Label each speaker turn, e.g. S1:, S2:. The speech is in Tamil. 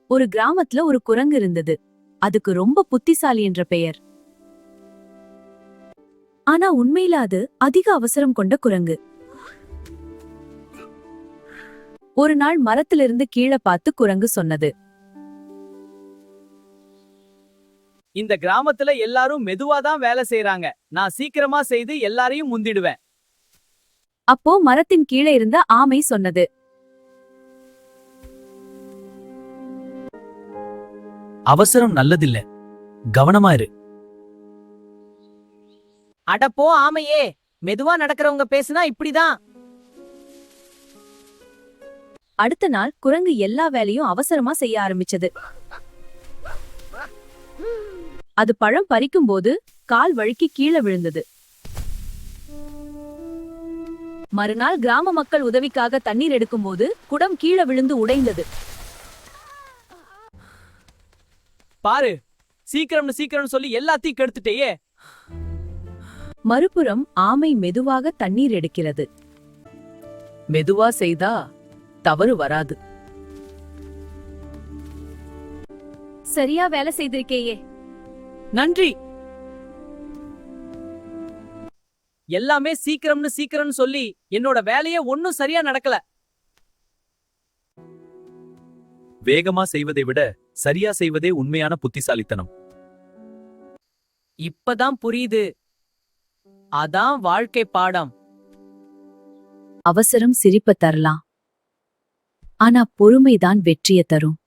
S1: ஒரு கிராமத்துல ஒரு குரங்கு இருந்தது. அதுக்கு ரொம்ப புத்திசாலி என்ற பெயர். ஆனா உண்மையில அது அதிக அவசரம் கொண்ட குரங்கு. ஒரு நாள் மரத்திலிருந்து கீழே பார்த்து குரங்கு சொன்னது,
S2: இந்த கிராமத்துல எல்லாரும் மெதுவாதான் வேலை செய்யறாங்க. நான் சீக்கிரமா செய்து எல்லாரையும் முந்திடுவேன்.
S1: அப்போ மரத்தின் கீழே இருந்த ஆமை சொன்னது,
S3: அவசரம் நல்லதில்ல, கவனமா இரு.
S2: அடப்போ ஆமையே, மெதுவா நடக்கிறவங்க பேசுனா இப்படிதான்.
S1: அடுத்த நாள் குரங்கு எல்லா வேலையும் அவசரமா செய்ய ஆரம்பிச்சது. அது பழம் பறிக்கும் போது கால் வழுக்கி கீழே விழுந்தது. மறுநாள் கிராம மக்கள் உதவிக்காக தண்ணீர் எடுக்கும் போது குடம் கீழே விழுந்து உடைந்தது.
S2: பாரு, சீக்கிரம் சீக்கிரம் சொல்லி எல்லாத்தையும் கெடுத்துட்டேயே.
S1: மறுபுறம் ஆமை மெதுவாக தண்ணீர் எடுக்கிறது. மெதுவா செய்தா தவறு வராது. சரியா வேலை செய்திருக்கேயே.
S2: நன்றி. எல்லாமே சீக்கிரம்னு சீக்கிரம்னு சொல்லி என்னோட வேலையே ஒன்னும் சரியா நடக்கல.
S3: வேகமா செய்வதை விட சரியா செய்வதே உண்மையான புத்திசாலித்தனம்.
S2: இப்பதான் புரியுது. அதான் வாழ்க்கை பாடம்.
S1: அவசரம் சிரிப்ப தரலாம், ஆனா பொறுமைதான் வெற்றியை தரும்.